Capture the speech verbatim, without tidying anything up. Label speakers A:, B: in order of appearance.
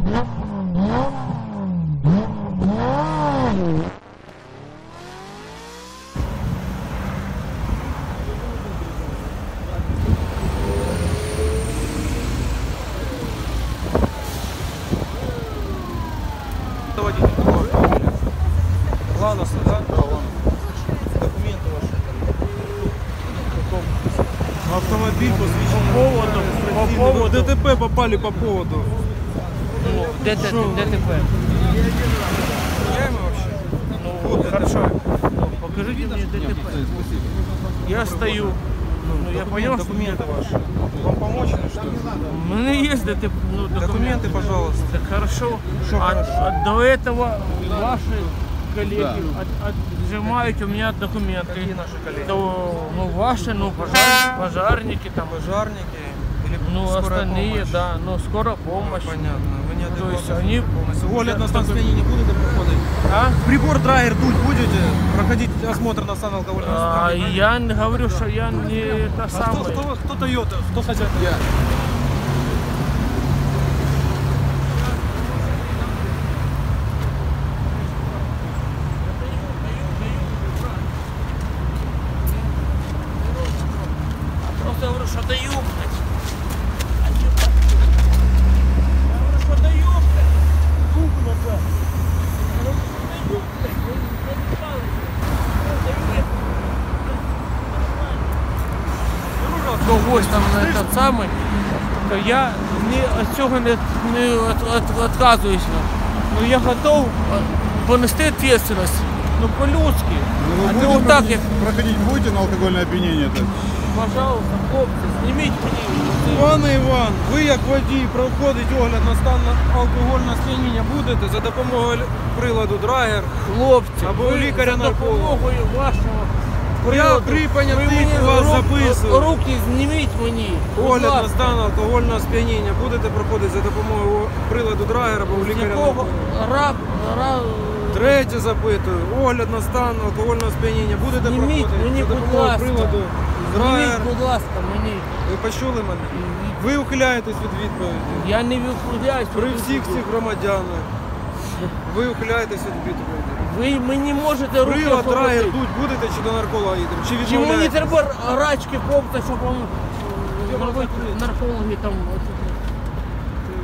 A: Ланоса, да? Да, Ланоса. Документы ваши. Автомобиль посвящен
B: По поводу, по поводу.
A: ДТП попали по поводу.
B: Ну, ДТП.
A: Меняемый вообще?
B: Ну,
A: Вот,
B: хорошо. Ну, покажите мне ДТП. Я стою. Ну, я понял,
A: документы ваши. Вам помочь или что?
B: У меня есть ДТП. Ну, документы.
A: Документы, пожалуйста.
B: Так хорошо.
A: Что
B: А,
A: хорошо?
B: а до этого ваши коллеги
C: Да.
B: от, отжимают у меня документы.
A: Какие наши коллеги?
B: То, ну, ваши, ну, пожар, пожарники там.
A: Пожарники или
B: Ну,
A: скорая
B: остальные,
A: помощь?
B: да, ну, скорая помощь.
A: Понятно. Вы не
B: То есть
A: адекватны
B: они...
A: полностью. Огляд на стан сп'яніння будете проходити?
B: А?
A: Прибор драйер дуть будете? Проходить осмотр на стан алкогольного
B: А,
A: сп'яніння?
B: я не говорю, что я не это
A: А кто,
B: самое.
A: кто, кто Тойота? Кто хозяин?
C: Я.
B: Просто говорю, что даю, блядь. Я говорю, что даю, блядь. Руку назад. Я говорю, что даю, блядь. Я не знаю. Когось там на этот самий, то я ні від цього не, не від, від, відказуюся. Ну, я готов понести відповідальність. Ну, по-людськи.
C: Ну, вы
B: А
C: будете
B: то вот так,
C: проходить,
B: як,
C: проходить будете на алкогольное опьянение? -то?
B: пожалуйста, хлопці, зніміть мені.
A: Пане Іван, ви як водій проходить огляд на стан алкогольного сп'яніння будете за допомогою приладу драйер?
B: Хлопці,
A: Або
B: ви
A: лікаря
B: за
A: нарколога.
B: допомогою вашого
A: Я
B: приладу,
A: при
B: ви
A: понятих
B: мені
A: вас
B: рук-
A: записую.
B: руки зніміть мені. будь
A: Огляд на
B: ласка.
A: стан алкогольного сп'яніння будете проходити за допомогою приладу драйер або
B: З
A: лікаря
B: якого
A: нарколога?
B: рак, рак,
A: Третє запитую. Огляд на стан алкогольного сп'яніння будете
B: Зніміть
A: проходити
B: мені,
A: за
B: будь
A: допомогою
B: ласка.
A: приладу драйер.
B: зніміть, будь ласка, мені.
A: Ви почули мене? Ви ухиляєтесь від відповіді.
B: Я не відповідаюсь.
A: При всіх цих громадянах. Ви ухиляєтесь від відповіді.
B: Ви мені можете руки
A: Прилад драйер
B: освободити.
A: дуть будете чи до нарколога їдемо? Чи
B: Чи мені
A: відмовляєтесь?
B: треба рачки попти, щоб он
A: Де
B: робити
A: можна
B: наркологи там. от,